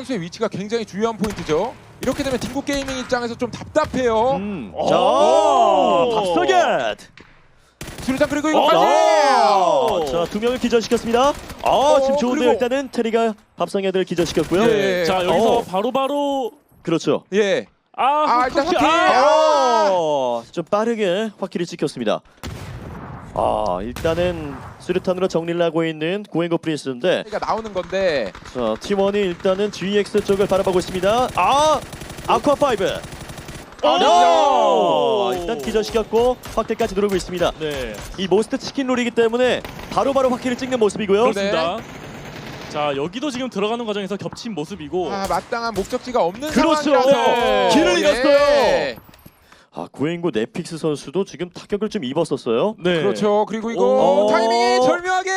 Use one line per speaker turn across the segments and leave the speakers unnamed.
선수의 위치가 굉장히 중요한 포인트죠. 이렇게 되면 딩고 게이밍 입장에서 좀 답답해요.
자, 밥서겟.
수류탄 그리고 이거까지.
자, 두 명을 기절시켰습니다. 지금 좋은데요.
그리고-
일단은 테리가 밥상애들 기절시켰고요.
예.
자 여기서 바로바로
그렇죠.
예. 일단
확킬.
확킬.
좀 빠르게 확킬이 찍혔습니다. 일단은 수류탄으로 정리를 하고 있는 고행고 프린스인데,
가 나오는 건데.
자, T1이 일단은 GX 쪽을 바라보고 있습니다. 아쿠아 5. 일단 기절시켰고 확킬까지 누르고 있습니다.
네,
이 모스트 치킨 롤이기 때문에 바로바로 확킬을 찍는 모습이고요.
그렇습니다. 자 여기도 지금 들어가는 과정에서 겹친 모습이고.
마땅한 목적지가 없는
그렇죠.
상황이라서
길을 잃었어요.
예.
고행고 넷픽스 선수도 지금 타격을 좀 입었었어요.
네.
그렇죠. 그리고 이거 타이밍이 절묘하게.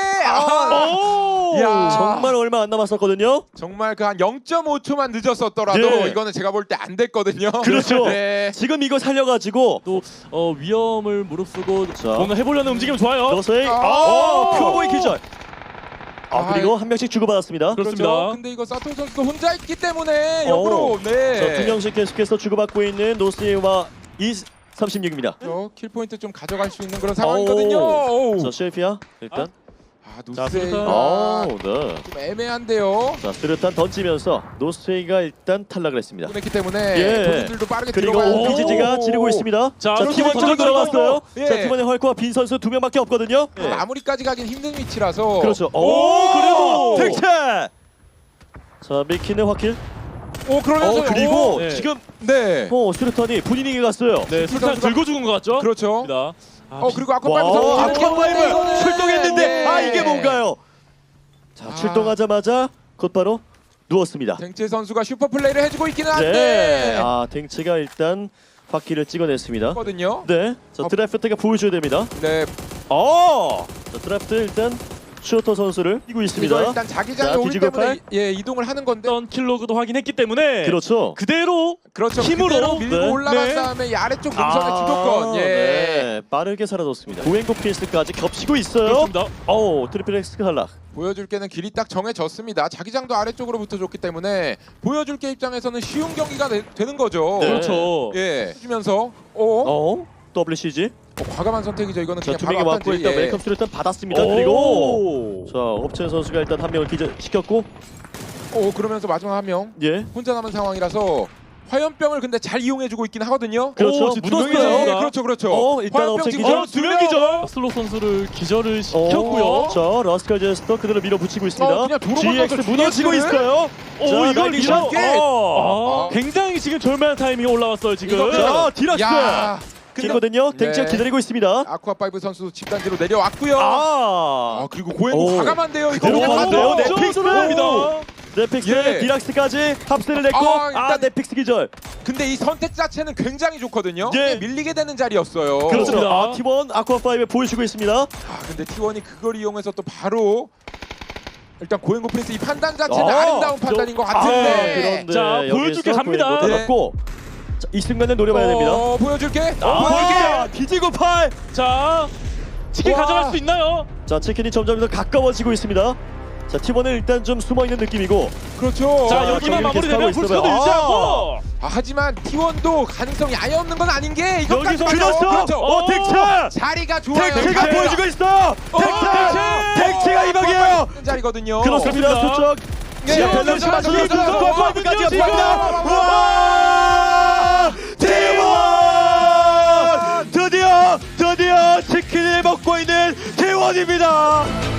야.
정말 얼마 안 남았었거든요.
정말 그 한 0.5초만 늦었었더라도
예.
이거는 제가 볼 때 안 됐거든요.
그렇죠.
네.
지금 이거 살려가지고
또 위험을 무릅쓰고
자.
뭔가 해보려는 움직임 좋아요.
러서의 퓨어보이 기절. 그리고 한 명씩 주고받았습니다.
그렇습니다.
그렇죠. 근데 이거 사토 선수도 혼자 있기 때문에 역으로
자, 두 명씩 계속해서 주고받고 있는 노스웨이와 36입니다.
킬 포인트 좀 가져갈 수 있는 그런 상황이거든요.
자, 셰피아 일단.
자,
노스웨이가
네.
좀 애매한데요.
자, 스르탄 던지면서 노스웨이가 일단 탈락을 했습니다.
보냈기 때문에
예.
본인들도 빠르게
그리고
들어가야 돼요.
BGG가 지르고 있습니다.
자,
팀원 쪽으로 들어갔어요.
예.
자, 팀원의 헐크와 빈 선수 두 명밖에 없거든요.
마무리까지 가긴 힘든 위치라서.
그렇죠.
그래도
택채. 자, 미키는 확킬.
그러면서
그리고
네.
지금
네.
수류탄이 본인에게 갔어요.
네, 술탄
선수가-
들고 죽은 것 같죠?
그렇죠.
그렇습니다.
그리고
와,
아쿠아파이브 선수
아쿠아파이브 출동했는데
네.
이게 뭔가요? 자, 출동하자마자 곧바로 누웠습니다.
댕체 선수가 슈퍼 플레이를 해주고 있기는 한데.
네. 댕치가 일단 바퀴를 찍어냈습니다.
거든요.
네. 자, 드래프트가 보여줘야 됩니다.
네.
자, 드래프트 일단 슈터 선수를 이고
이거
있습니다.
일단 자기장에
자,
오기
뒤지고
때문에
팔.
이동을 하는 건데.
어떤 킬로그도 확인했기 때문에
그렇죠.
그대로
그렇죠.
힘으로.
그대로 밀고
네.
올라간
네.
다음에 이 아래쪽 동선의 주도권. 예.
네. 빠르게 사라졌습니다. 고행고 피스까지 겹치고 있어요.
그렇습니다.
트리플 X 탈락.
보여줄 게는 길이 딱 정해졌습니다. 자기장도 아래쪽으로 붙어줬기 때문에 보여줄 게 입장에서는 쉬운 경기가 되는 거죠.
네.
그렇죠.
예. 해주면서
WCG.
과감한 선택이죠. 이거는
자,
그냥
두
바로
명이 맞고
앞단지.
일단
예.
웰컴스를 일단 받았습니다. 그리고 자, 업첸 선수가 일단 한 명을 기절시켰고,
그러면서 마지막 한 명
예.
혼자 남은 상황이라서 화염병을 근데 잘 이용해주고 있긴 하거든요.
그렇죠.
지금
묻었어요.
두 명이서.
네, 그렇죠, 그렇죠.
일단
화염병
업체
지금
기절.
두 명.
두명이죠. 슬롯 선수를 기절을 시켰고요.
자, 러스칼 제스터 그대로 밀어붙이고 있습니다.
그냥 도로
GX
건너서
무너지고
GX 를?
있어요. 자,
이걸
나이스
밀어.
샷.
굉장히 지금 절묘한 타이밍이 올라왔어요 지금.
이거
자, 디락스.
야. 근데
기거든요. 댕치가
네.
기다리고 있습니다.
아쿠아파이브 선수 집단지로 내려왔고요. 그리고 고행고
오.
과감한데요. 이거
그대로
그냥
가는데요.
가죠.
넷픽스입니다. 넷픽스
예.
디락스까지 합세를 냈고,
일단-
넷픽스 기절.
근데 이 선택 자체는 굉장히 좋거든요.
예.
밀리게 되는 자리였어요.
그렇습니다. T1 아쿠아5에 보여주고 있습니다.
근데 T1이 그걸 이용해서 또 바로 일단 고행고 프린스 이 판단 자체는
아,
아름다운 판단인 것 같은데.
그런데
자,
여기서
보여줄게 갑니다.
고행고 잡았고, 자, 이 순간을 노려봐야 됩니다.
보여줄게.
보여줄게.
뒤지고 팔.
자, 치킨
와.
가져갈 수 있나요?
자, 치킨이 점점 더 가까워지고 있습니다. 자, T1은 일단 좀 숨어있는 느낌이고,
그렇죠.
자,
아,
여기만
저기
마무리되면
계속
불스도
하고 있어요.
유지하고.
하지만 T1도 가능성이 아예 없는 건 아닌 게 이것까지
여기서
그렇죠.
텍차!
자리가 좋아요.
텍차가
텍차!
보여주고 있어! 텍차가 이방이에요!
자리거든요.
그렇습니다. 수적.
네,
지하 밸런스
그렇죠.
맞춰서
그렇죠.
아쿠아파이브까지
지금.
합니다. 우와! T1! 드디어 치킨을 먹고 있는 T1입니다.